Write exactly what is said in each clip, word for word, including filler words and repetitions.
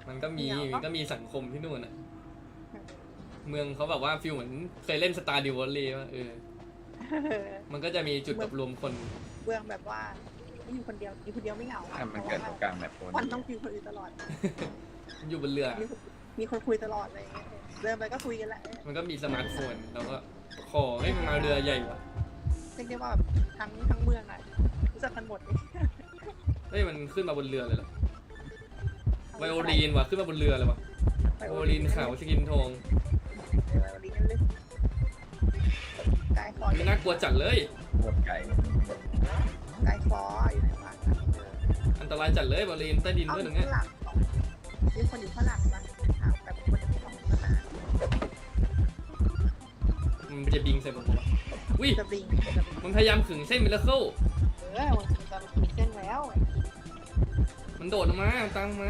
มันก็มีมันก็มีสังคมที่นู่นอ่ะเมืองเขาแบบว่าฟิลเหมือนเคยเล่นสตาร์ดิวอลเลย์ป่ะเออมันก็จะมีจุดแบบรวมคนเมืองแบบว่าไม่อยู่คนเดียวอยู่คนเดียวไม่เหงาถ้ามันเกิดตรงกลางแบบคนมันต้องคุยคนอื่นตลอดอยู่บนเรือมีคนคุยตลอดอะไรเงี้ยเดินไปก็คุยกันแหละมันก็มีสมาร์ทโฟนเราก็ขอให้มันมาเรือใหญ่ว่ะเรียกได้ว่าแบบทั้งทั้งเมืองอ่ะรู้จักกันหมดเลยเฮ้ยมันขึ้นมาบนเรือเลยเหรอไวโอลีนว่ะขึ้นมาบนเรือเลยว่ะไวโอลีนขาวสกินทองไวโอลีนนั่นเลยกายฟอไม่น่ากลัวจัดเลยหมดไก่กายฟออยู่ไหนวะอันตรายจัดเลยไวโอลีนใต้ดินเอาด้วยอตรยู่งเนี้ยข้างหลังมีคนอยู่ข้างหลังนะถามแบบคนของสนามมันจะบิงใส่ผมวะวิจะบิงจะบิงมันพยายามขึงเส้นมิราเคิลเออมันจะมีเส้นแล้วมันโดดออกมาตามมา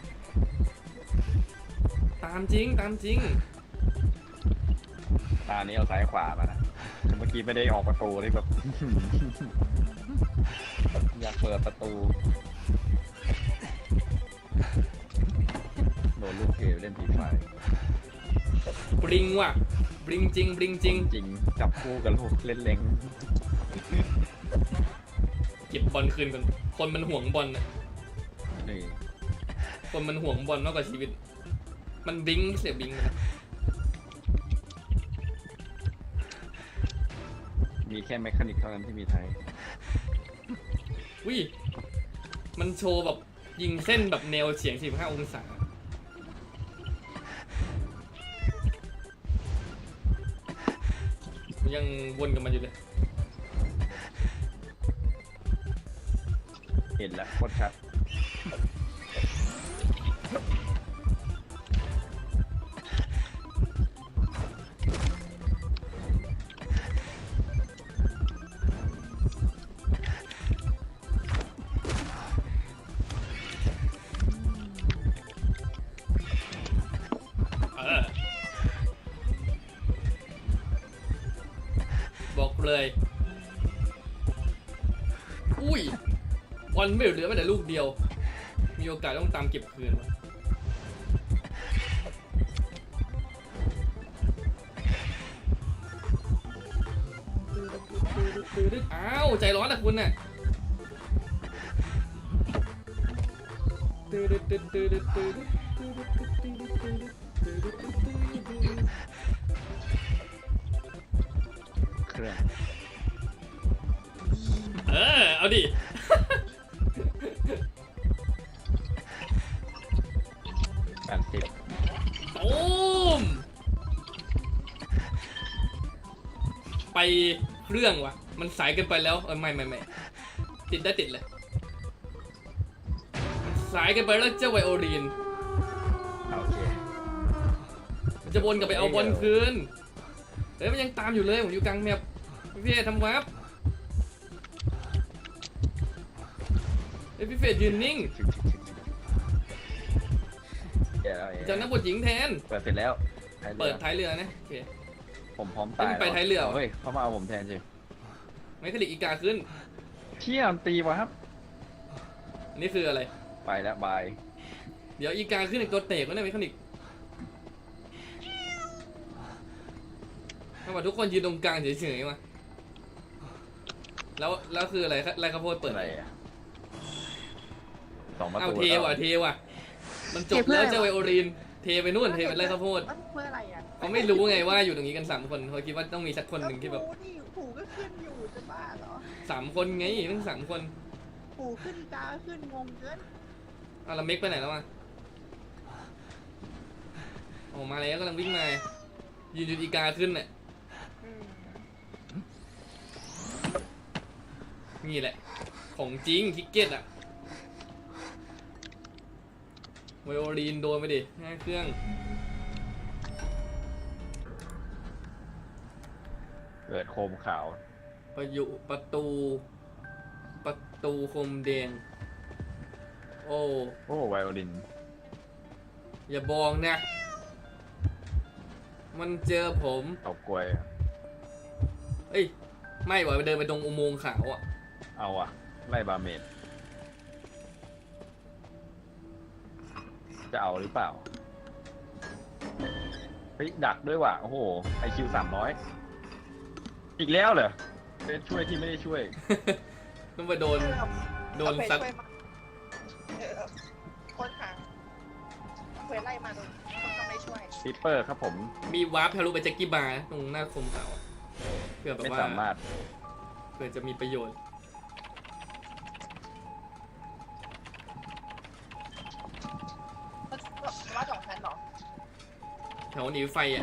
ตามจริงตามจริงตานี้เอาซ้ายขวามานะเมื่อกี้ไม่ได้ออกประตูที่แบบ อยากเปิดประตูโดนลูกเกลเล่นผีไฟบริงว่ะบริงจริงบริงจริงจริงจับคู่กับลูกเล่นเล้งเก็บบอลคืนก่อนคนมันห่วงบอลน่ะนี่คนมันห่วงบอลมากกว่าชีวิต มันบิงเสียบิงนะมีแค่แมคานิกเท่านั้นที่มีไทยวิมันโชว์แบบยิงเส้นแบบแนวเฉียงสี่สิบห้าองศายังวนกับมันอยู่เลยเห็นแล้วโคตรชัดบอกเลยอุ้ยบอลไม่เหลือแม้แต่ลูกเดียว มีโอกาสต้องตามเก็บคืนอ้าวใจร้อนนะคุณน่ะเครื่องเออเอาดิแปดสิบโอ้มไปเครื่องวะมันสายเกินไปแล้วเออไม่ไม่ไม่ติดได้ติดเลยมันสายเกินไปแล้วเจ้าไวโอลีนโอเคมันจะวนกลับไปเอาบอลคืนเฮ้ยมันยังตามอยู่เลยผมอยู่กลางแมปพี่เฟสทำวับเฮ้ยพี่เฟสยืนนิ่งเดี๋ยวจะนักบทหญิงแทนเปิดเสร็จแล้วเปิดท้ายเรือนะโอเคผมพร้อมตายไปท้ายเรือเฮ้ยเขามาเอาผมแทนสิไม่คลิกอีกาขึ้นเที่ยมตีวะครับอันนี้คืออะไรไปแล้วบายเดี๋ยวอีกาขึ้นอีกตัวเตะก็ได้ไม่คลิกถ้าว่าทุกคนยืนตรงกลางเฉยๆมาแล้วแล้วคืออะไรไรข้าวโพดเปิดอะไรอ่ะสองประเอาตูเทว่ะเทว่ะมันจบแล้วเจ้าไวโอลีนเทไปนู่นเทไปไรข้าวโพดเพื่ออะไรอ่ะเขาไม่รู้ไงว่าอยู่ตรงนี้กันสามคนเขาคิดว่าต้องมีสักคนหนึ่งที่แบบนี่ปู่ก็ขึ้นอยู่จะบ้าเหรอสามคนไงทั้งสามคนปู่ขึ้นอีกาขึ้นงงเกินเอาละเมกไปไหนแล้วอ่ะออกมาแล้วกำลังวิ่งมายืนอยู่อีกาขึ้นน่ะนี่แหละของจริงคิกเก็ตอ่ะไวโอลีนโดนไปดิห้าเครื่องเกิดโคมขาวประยุประตู ประตูคมแดงโอ้โอ้ไวโอลินอย่าบอกนะมันเจอผมตกกล้วยเอ้ยไม่ว่ะเดินไปตรงอุโมงค์ขาวอ่ะเอาอ่ะไล่บาเมดจะเอาหรือเปล่าเฮ้ยดักด้วยว่ะโอ้โหไอคิวสามร้อยอีกแล้วเหรอเป็นช่วยที่ไม่ได้ช่วยต้องไปโดน โดนซัดเออคนหาเควสไล่มาโดนคนก็ไม่ช่วยซิปเปอร์ครับผมมีวาร์ปทะลุไปแจ็คกี้บาร์ตรงหน้าคมเสาอะเพื่อแบบไม่ว่าสามารถเพื่อจะมีประโยชน์ว่าสองชั้นเหรอแถวหนีไฟอ่ะ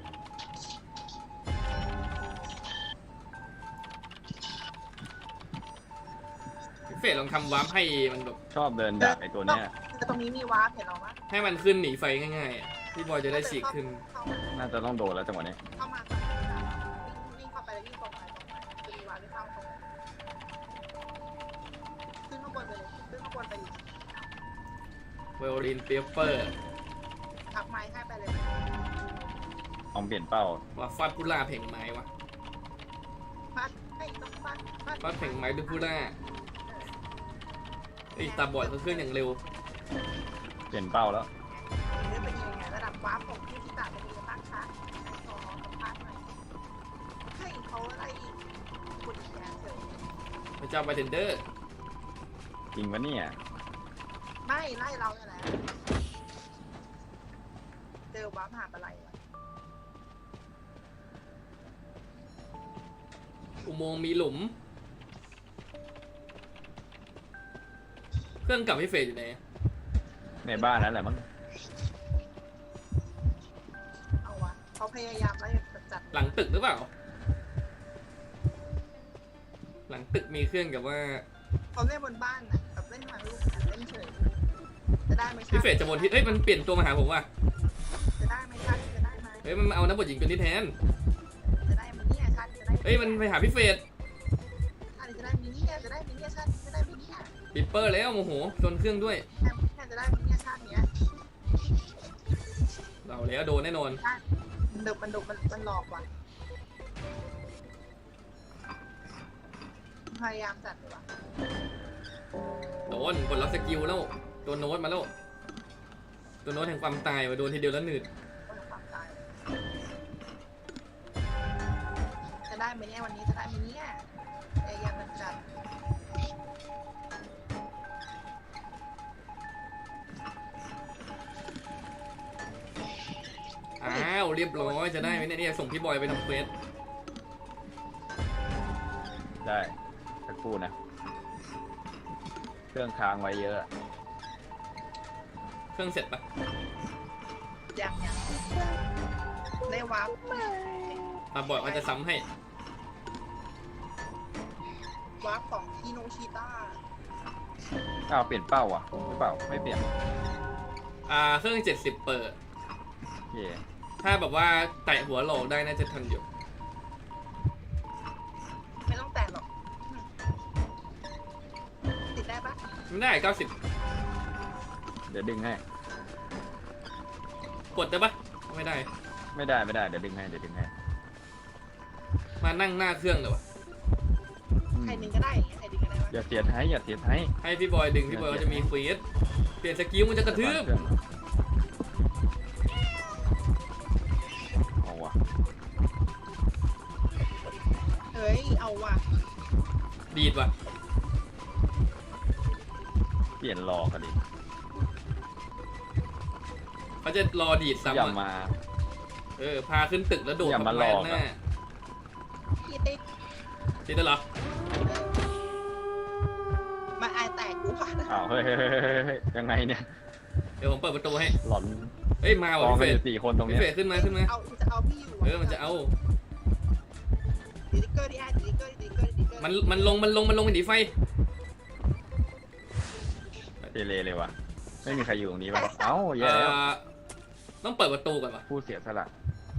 เฟสลองทำวาร์ปให้มันแบบชอบเดินดักไอตัวเนี้ยแต่ตรงนี้มีวาร์ปเห็นหรอวะให้มันขึ้นหนีไฟง่ายๆอะพี่บอยจะได้ฉีกขึ้นเข้ามาน่าจะต้องโดนแล้วจังหวะนี้เข้ามาวิ่งเข้าไปแล้ววิ่งตรงไปตรงไปจะมีวาร์ปที่เข้าตรงขึ้นข้างบนไปเลยขึ้นข้างบนไปอีกไวโอลินเปเปอร์ทักไม้ให้ไปเลยลองเปลี่ยนเป้าว่าฟาดพุล่าเพ่งไม้วะฟัดให้ต้องฟัดฟัดฟาดเพ่งไม้ด้วยพุล่าไอ้ตาบอดเขาเคลื่อนอย่างเร็วเปลี่ยนเป้าแล้วเรื่องเป็นยังไงระดับวาร์ปของที่ที่ตาเป็นยังไงบ้างคะขอสัมภาษณ์หน่อยให้เขาไล่คุณแกเฉยพระเจ้าบาร์เทนเดอร์จริงปะเนี่ยไม่ไล่เราเนี่ยแหละเจอวาร์ปหาอะไรวะอุโมงค์มีหลุม เครื่องกลับพี่เฟสอยู่ไหนในบ้านนั่นแหละมั้งเอาวะเขาพยายามไล่จัดหลังตึกหรือเปล่า หลังตึกมีเครื่องกับว่าเขาเล่นบนบ้านน่ะแบบเล่นมาลูกเล่นเฉยจะได้ไหมพี่เฟสจะบนทิศเฮ้ยมันเปลี่ยนตัวมาหาผมว่ะจะได้ไหมชันจะได้ไหมเฮ้ยมันมาเอานักบทหญิงตัวนี้แทนจะได้ไหมเนี่ยชันจะได้เฮ้ยมันไปหาพี่เฟสชันจะได้มิเนี่ยจะได้มิเนี่ยชันจะได้มิเนี่ยปิดเปอร์แล้วโมโหชนเครื่องด้วยแค่จะได้มิเนี่ยชันเนี้ยเราแล้วโดนแน่นอนมันดุมันดุมันมันหลอกว่ะพยายามจัดเลยว่ะโดนกดล็อกสกิลแล้วตัวโน้ตมาแล้วตัวโน้ตแห่งความตายว่ะโดนทีเดียวแล้วหนืดว่าความตายจะได้ไหมเนี่ยวันนี้จะได้ไหมเนี่ยพยายามจัดอ้าวเรียบร้อยจะได้ไหมเนี่ยเนี่ยส่งพี่บอยไปทำเควสได้สักครู่นะ เครื่องค้างไว้เยอะเครื่องเสร็จปะยังยังได้วาร์ปมาบอกว่าจะซ้ำให้วาร์ปของอิโนชิต้าอ้าวเปลี่ยนเป้าอ่ะหรือเปล่าไม่เปลี่ยนอ่าเครื่องเจ็ดสิบเปิดโอเคถ้าแบบว่าแตะหัวโหลกได้น่าจะทันอยู่ไม่ต้องแต่หรอกติดได้ปะไม่ได้เก้าสิบเดี๋ยวดึงให้กดได้ปะไม่ได้ไม่ได้ไม่ได้เดี๋ยวดึงให้เดี๋ยวดึงให้มานั่งหน้าเครื่องเลยวะอืมใครดึงก็ได้อย่างเงี้ยใครดึงก็ได้ปะอย่าเสียท้ายอย่าเสียท้ายให้พี่บอยดึงพี่บอยก็จะมีเควสเปลี่ยนสกิลมันจะกระทืบเอาวะเฮ้ยเอาว่ะดีดว่ะเปลี่ยนหลอกกันดิเขาจะรอดีดอย่าซ้ำอะมาเออพาขึ้นตึกแล้วโดดอย่ามาหลอกอะหน้าพี่ติ๊กติดแล้วเหรอมาอายแตกกูผ่านอ้าวเฮ้ยเฮ้ยเฮ้ยเฮ้ยเฮ้ยยังไงเนี่ยเดี๋ยวผมเปิดประตูให้หลอนเอ้ยมาก ว่ะองพี่กันเฟอสยู่สี่คนตรงพี่เนี้ยเฟสขึ้นมาขึ้นมาเอาจะเอาพี่อยู่เออมันจะเอาดิลิเกอร์ดิไอดิลิเกอร์ดิลิเกอร์ดิลิเกอร์มันมันลงมันลงมันลงไปหนีไฟเทเลเลยวะไม่มีใครอยู่ตรงนี้ป่ะเอ้าเอแย่แล้วอต้องเปิดประตูก่อนวะผู้เสียสละ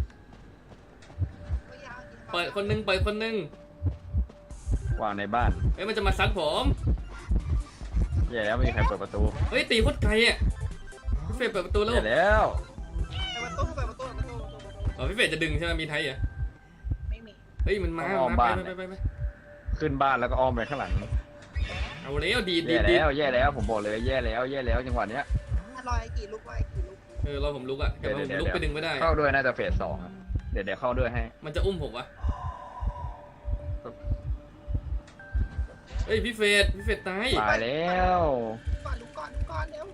เปิดคนนึงเปิดคนนึงวางในบ้านเอ้ยมันจะมาซัดผมแย่แล้วไม่มีใครเปิดประตูเฮ้ยตีโคตรไกลอ่ะพี่เฟสเปิดประตูแล้วแย่แล้วเปิดประตูเปิดประตูเปิดประตูเปิดประตูอ๋อพี่เฟสจะดึงใช่ไหมมีไทยอ่ะไม่มีเฮ้ยมันมาอ้อมมาบ้านไปไปไปไปขึ้นบ้านแล้วก็อ้อมไปข้างหลังเอาแล้วดีดดีแย่ดดีดแล้วแย่แล้วผมบอกเลยแย่แล้วแย่แล้วจังหวะเนี้ยทรอยกี่ลูกรอยกี่ลูกเออรอผมลุกอะแต่ผมลุกไปดึงไม่ได้เข้าด้วยน่าจะเฟสสองอะเดี๋ยวเดี๋ยวเข้าด้วยให้มันจะอุ้มผมวะเฮ้ยพี่เฟดพี่เฟดตายตายแล้วก่อนลุกก่อนลุกก่อนเร็ว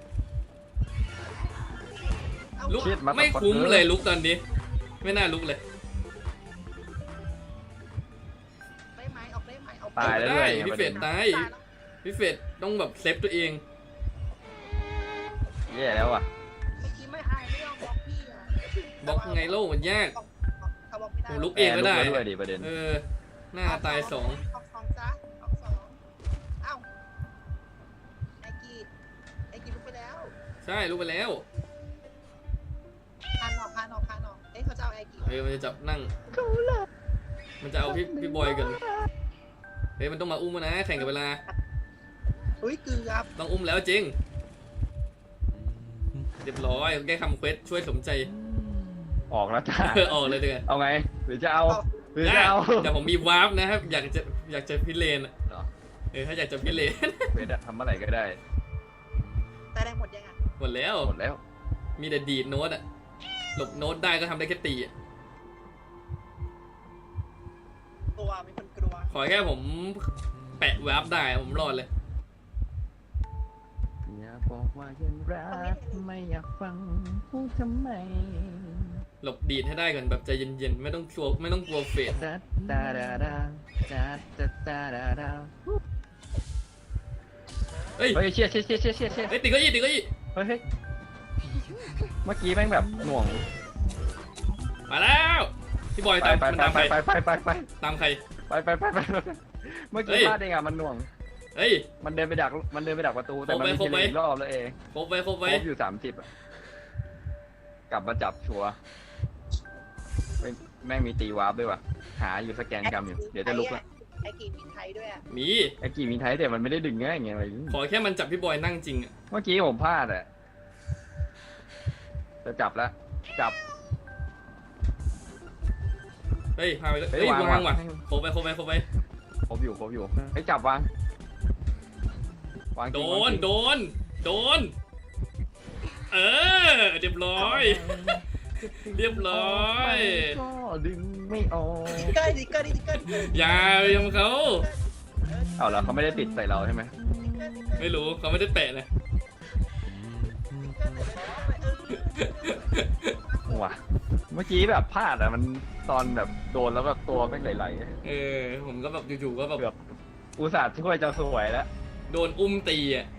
เอาลุกชิดมาไม่คุ้มเลยลุกตอนนี้ ไม่น่าลุกเลยได้ไหมออกได้ไหมออกตายแล้วได้ด้วยพี่เฟดตายตายแล้วพี่เฟดต้องแบบเซฟตัวเองแย่แล้วอ่ะเมื่อกี้ไม่อายไม่ยอมบล็อกพี่อ่ะบล็อกไงโล่มันยากบล็อกเขาบล็อกไม่ได้ผมลุกเองก็ได้แร์ลุกแล้วด้วยดิประเด็นเออ หน้าตายสองออกสองจ้ะออกสองเอ้าไอกีไอกีลุกไปแล้วใช่ลุกไปแล้วพานออกพานออกพานออกเอ้ยเขาจะเอาไอกีเฮ้ยมันจะจับนั่ง มันจะเอาพี่พี่บอยกัน เฮ้ยมันต้องมาอุ้มมานะ แข่งกับเวลาอุ้ยเกือบต้องอุ้มแล้วจริง เรียบร้อยแก้คำเควสช่วยสมใจออกแล้วจ้าเออออกเลยเดือเอาไงหรือจะเอาหรือจะเอาแต่ผมมีวาร์ปนะครับ อยากจะอยากจะพิเรนอะเหรอเออถ้าอยากจะพิเรนเฟสอะทำเมื่อไหร่ก็ได้แต่ได้หมดยังอ่ะหมดแล้วหมดแล้วมีแต่ดีดโน้ตอะหลบโน้ตได้ก็ทำได้แค่ตีอะกลัวมีคนกลัวขอแค่ผมแปะวาร์ปได้ผมรอดเลยอย่าบอกว่ายังรักไม่อยากฟังพูดทำไมหลบดีดให้ได้ก่อนแบบใจเย็นๆไม่ต้องกลัวไม่ต้องกลัวเฟดจัดตาดาดาจัดจัดตาดาดาเฮ้ยเฮ้ยเชี่ยเชี่ยเชี่ยเชี่ยเชี่ยเชี่ยเฮ้ยติดเก็อี้ติดเก็อี้เฮ้ยเฮ้ยเมื่อกี้แม่งแบบหน่วงมาแล้วพี่บอยไปตามไปมันไปตามไปใครไปไปไปตามใครไปไปไปไปเมื่อเฮ้กี้ยพลาดเองอ่ะมันหน่วงเฮ้ยมันเดินไปดักมันเดินไปดักประตูแต่มันไม่ครบใช่ไหมอีกรอบแล้วเองครบไว้ครบคไว้รบอยู่สามสิบอ่ะกลับมาจับชัวร์เฮ้ยแม่งมีตีวาร์ปด้วยว่ะหาอยู่สแกนกรรมอยู่เดี๋ยวจะลุกละไอกีมีไทยด้วยอ่ะมีไอ้กี่มีไทยแต่มันไม่ได้ดึงง่ายไงอะไรขอแค่มันจับพี่บอยนั่งจริงอะเมื่อกี้ผมพลาดอ่ะจะจับแล้วจับเฮ้ยพาไปเลยเฮ้เฮ้ยยวางวางว่ะวางครบไปครบไปครบไปครบอยู่ครบอยู่ให้ยจับวางวางจโดริงวางนจริงโดนโดนเออเรียบร้อย เรียบร้อยก็ดึงไม่ออกดิเกอร์ดิเกอร์ดิเกอร์ดิเกอร์อย่าไปทำเขาเอาแล้วเขาไม่ได้ติดใส่เราใช่ไหมไม่รู้เขาไม่ได้แปะนะว่ะเมื่อกี้แบบพลาดอะมันตอนแบบโดนแล้วแบบตัวแม่งไหลเออผมก็แบบอยู่ๆก็แบบๆเกือบอุตส่าห์ช่วยจะสวยแล้วโดนอุ้มตีอ่ะ